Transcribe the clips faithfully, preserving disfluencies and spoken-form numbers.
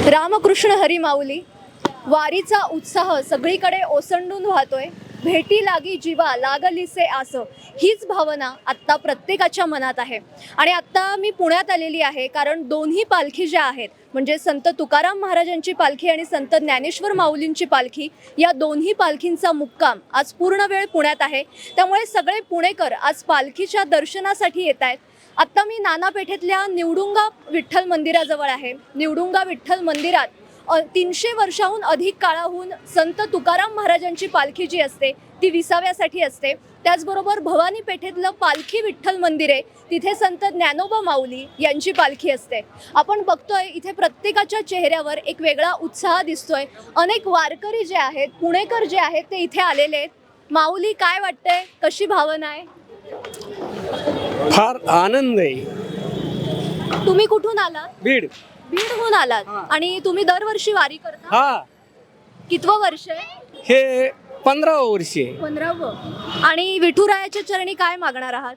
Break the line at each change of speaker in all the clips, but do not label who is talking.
रामकृष्ण हरी माऊली. वारीचा उत्साह सगळीकडे ओसंडून वाहतोय. भेटी लागी जीवा लागलीसे आस, हीच भावना आत्ता प्रत्येकाच्या मनात आहे. आणि आत्ता मी पुण्यात आलेली आहे कारण दोन्ही पालखी ज्या आहेत म्हणजे संत तुकाराम महाराजांची पालखी आणि संत ज्ञानेश्वर माऊलींची पालखी, या दोन्ही पालखींचा मुक्काम आज पूर्ण वेळ पुण्यात आहे. त्यामुळे सगळे पुणेकर आज पालखीच्या दर्शनासाठी येत आहेत. आत्ता मी नाना पेठेतल्या निवडुंगा विठ्ठल मंदिराजवळ आहे. निवडुंगा विठ्ठल मंदिरात तीनशे वर्षाहून अधिक काळाहून संत तुकाराम महाराजांची पालखी जी असते ती विसाव्यासाठी असते. त्याचबरोबर भवानी पेठेतलं पालखी विठ्ठल मंदिर आहे, तिथे संत ज्ञानोबा माऊली यांची पालखी असते. आपण बघतोय इथे प्रत्येकाच्या चेहऱ्यावर एक वेगळा उत्साह दिसतोय. अनेक वारकरी जे आहेत, पुणेकर जे आहेत ते इथे आलेले आहेत. माऊली, काय वाटतंय, कशी भावना आहे?
फार आनंद आहे.
तुम्ही कुठून आलात?
बीड.
बीडहून आलात आणि तुम्ही दरवर्षी वारी करता?
हा,
कितवं वर्ष आहे?
हे पंधरावं वर्ष आहे.
पंधरावं. आणि विठुरायाच्या चरणी काय मागणार आहात?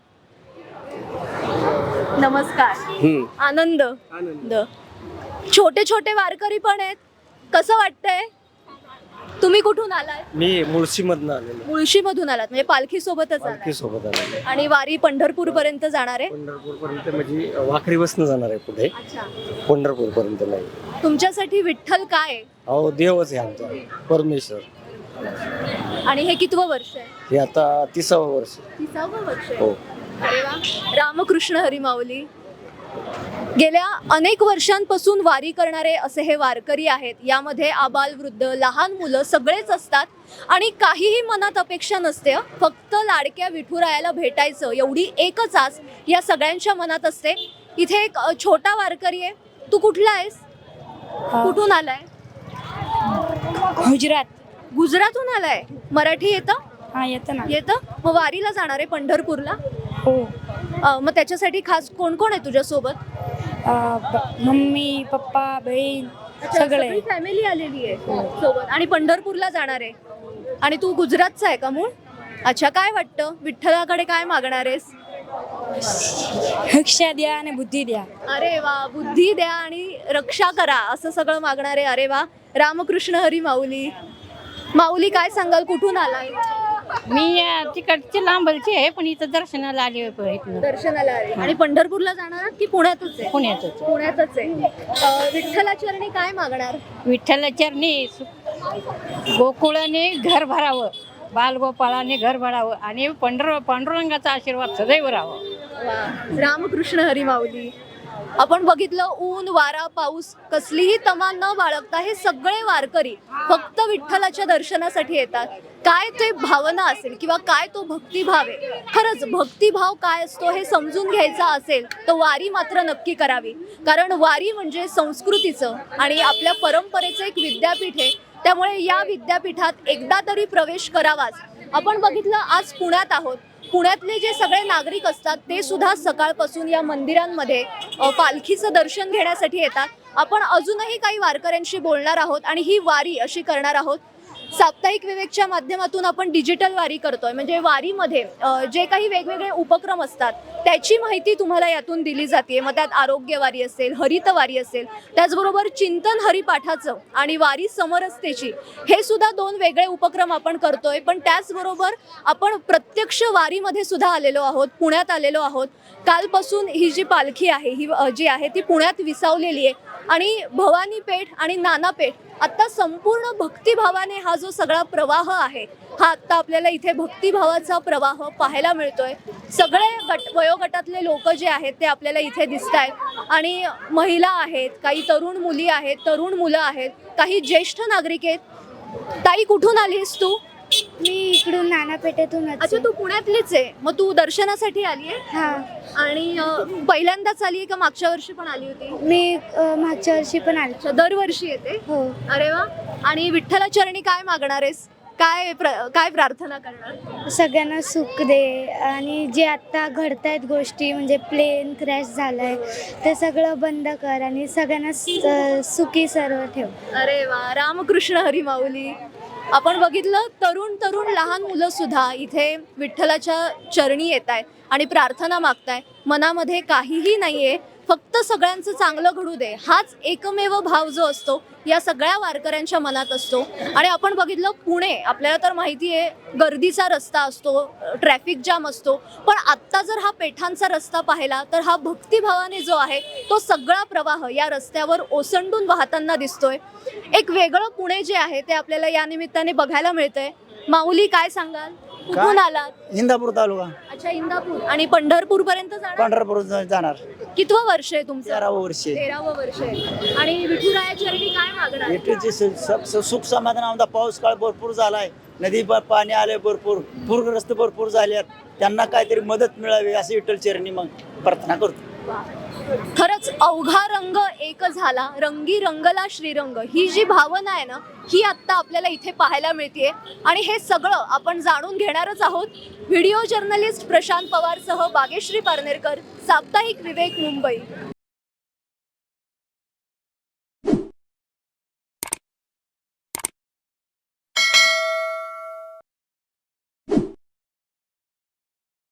नमस्कार.
हम्म.
आनंद.
आनंद.
छोटे छोटे वारकरी पण आहेत, कसं वाटतंय? तुम्ही कुठून आलात?
मी मुळशी मधून आलेलो.
मुळशी मधून आलात म्हणजे पालखी सोबतच
पालखी
आलात.
सोबत आलेलो.
आणि वारी पंढरपूर पर्यंत जाणार आहे?
पंढरपूर पर्यंत म्हणजे वाखरी बसनं जाणार आहे पुढे.
अच्छा.
पंढरपूर पर्यंत नाही.
तुमच्यासाठी विठ्ठल काय आहे?
अहो, देवच आहे आमचा, परमेश्वर.
आणि हे कितवं वर्ष आहे?
हे आता तिसावं वर्ष.
तिसावं वर्ष आहे.
हो.
अरे वा. रामकृष्ण हरी माऊली. गेल्या अनेक वर्षांपासून वारी करणारे असे हे वारकरी आहेत. यामध्ये आबाल वृद्ध, लहान मुलं सगळेच असतात आणि काहीही मनात अपेक्षा नसते. फक्त लाडक्या विठुरायाला भेटायचं एवढी एकच आस या सगळ्यांच्या मनात असते. इथे एक छोटा वारकरी आहे. तू कुठला आहेस? कुठून आलाय?
गुजरात.
गुजरातहून आलाय. मराठी येतं?
हा, येतं ना.
येतं. मग वारीला जाणार आहे पंढरपूरला?
हो.
अ, मग त्याच्यासाठी खास कोण कोण आहे तुझ्या सोबत?
अं, ब- मम्मी पप्पा बहीण सगळे.
फॅमिली आलेली आहे सोबत आणि पंढरपूरला जाणार आहे. आणि तू गुजरातचा आहे का मूळ? अच्छा. काय वाटतं, विठ्ठलाकडे काय मागणार आहेस?
शिक्षा द्या आणि बुद्धी द्या.
अरे वा. बुद्धी द्या आणि रक्षा करा असं सगळं मागणार आहे. अरे वा. रामकृष्ण हरी माऊली. माऊली, काय सांगाल, कुठून आलाय?
मी तिकडची लांबलची आहे पण इथं दर्शनाला आली आहे.
दर्शनाला आले. आणि पंढरपूरला जाणार आहात की पुण्यातच आहे?
पुण्यातच.
पुण्यातच आहे. अ, विठ्ठलाचरणी काय मागणार?
विठ्ठल चरणी गोकुळाने घर भरावं, बालगोपाळाने घर भरावं आणि पंढर पांडुरंगाचा आशीर्वाद सदैव राहावं.
वा. रामकृष्ण हरी माऊली. आपण बघितलं, ऊन वारा पाऊस कसलीही तमा न बाळगता हे सगळे वारकरी फक्त विठ्ठलाच्या दर्शनासाठी येतात. काय ते भावना असेल किंवा काय तो भक्तिभाव आहे, खरंच भक्तिभाव काय असतो हे समजून घ्यायचा असेल तर वारी मात्र नक्की करावी. कारण वारी म्हणजे संस्कृतीचं आणि आपल्या परंपरेचं एक विद्यापीठ आहे. त्यामुळे या विद्यापीठात एकदा तरी प्रवेश करावाच. आपण बघितलं, आज पुण्यात आहोत. पुण्यातले जे सगळे नागरिक असतात ते सुद्धा सकाळपासून या मंदिरांमध्ये पालखीचं दर्शन घेण्यासाठी येतात. आपण अजूनही काही वारकऱ्यांशी बोलणार आहोत आणि ही वारी अशी करणार आहोत. साप्ताहिक विवेकच्या माध्यमातून आपण डिजिटल वारी करतोय. म्हणजे वारीमध्ये जे काही वेगवेगळे उपक्रम असतात त्याची माहिती तुम्हाला यातून दिली जाते. मग त्यात आरोग्य वारी असेल, हरित वारी असेल, त्याचबरोबर चिंतन हरिपाठाचं आणि वारी समरसतेची, हे सुद्धा दोन वेगळे उपक्रम आपण करतोय. पण त्याचबरोबर आपण प्रत्यक्ष वारीमध्ये सुद्धा आलेलो आहोत, पुण्यात आलेलो आहोत. कालपासून ही जी पालखी आहे ही जी आहे ती पुण्यात विसावलेली आहे. आणि भवानी पेठ आणि नाना पेठ आता संपूर्ण भक्तिभावाने हा जो सगळा प्रवाह आहे हा आत्ता आपल्याला इथे भक्तिभावाचा प्रवाह पाहायला मिळतोय. सगळे गट वयोगटातले लोक जे आहेत ते आपल्याला इथे दिसत आहेत. आणि महिला आहेत, काही तरुण मुली आहेत, तरुण मुलं आहेत, काही ज्येष्ठ नागरिक आहेत. ताई, कुठून आलीस तू?
मी इकडून नाना पेठेतून.
अच्छा, तू पुण्यातलीच आहे. मग तू दर्शनासाठी आली आहे?
हा.
आणि अ, पहिल्यांदाच आली आहे का मागच्या वर्षी पण आली होती?
मी अ, मागच्या वर्षी पण आले.
अच्छा, दरवर्षी येते?
हो.
अरे वा. आणि विठ्ठलाचरणी काय मागणार आहेस? काय प्र काय प्रार्थना करणार?
सगळ्यांना सुख दे आणि जे आत्ता घडतायत गोष्टी, म्हणजे प्लेन क्रॅश झालाय ते सगळं बंद कर आणि सगळ्यांना स- सुखी सर्व ठेव.
अरे वा. रामकृष्ण हरी माऊली. आपण बघितलं, तरुण तरुण लहान मुलं सुद्धा इथे विठ्ठलाच्या चरणी येत आहेत आणि प्रार्थना मागताय. मनामध्ये काहीही नाहीये, फक्त सगळ्यांचं चांगलं घडू दे हाच एकमेव भाव जो असतो या सगळ्या वारकऱ्यांच्या मनात असतो. आणि आपण बघितलं पुणे आपल्याला तर माहिती आहे गर्दीचा रस्ता असतो, ट्रॅफिक जाम असतो, पण आत्ता जर हा पेठांचा रस्ता पाहिला तर हा भक्तिभावाने जो आहे तो सगळा प्रवाह या रस्त्यावर ओसंडून वाहताना दिसतोय. एक वेगळं पुणे जे आहे ते आपल्याला या निमित्ताने बघायला मिळतंय. माऊली काय सांगाल, कुठून आलात?
इंदापूर तालुका
अच्छा, इंदापूर. आणि पंढरपूर पर्यंत जाणार?
पंढरपूर जाणार
कितवं वर्ष आहे तुमचं?
तेरावं वर्ष आहे.
तेरावं वर्ष आहे. आणि विठुरायाच्या चरणी काय मागणार?
येथील सुख समाधान आमचा पाऊस काळ भरपूर झालाय, नदी प- पाणी आले भरपूर, पूरग्रस्त भरपूर झाल्यात, त्यांना काहीतरी मदत मिळावी अशी विठ्ठल चरणी मग प्रार्थना करतो.
खरंच अवघा रंग एक झाला, रंगी रंगला श्रीरंग, ही जी भावना आहे ना ही आत्ता आपल्याला इथे पाहायला मिळते. आणि हे सगळं आपण जाणून घेणारच आहोत. व्हिडिओ जर्नलिस्ट प्रशांत पवारसह बागेश्री पारनेरकर, साप्ताहिक विवेक, मुंबई.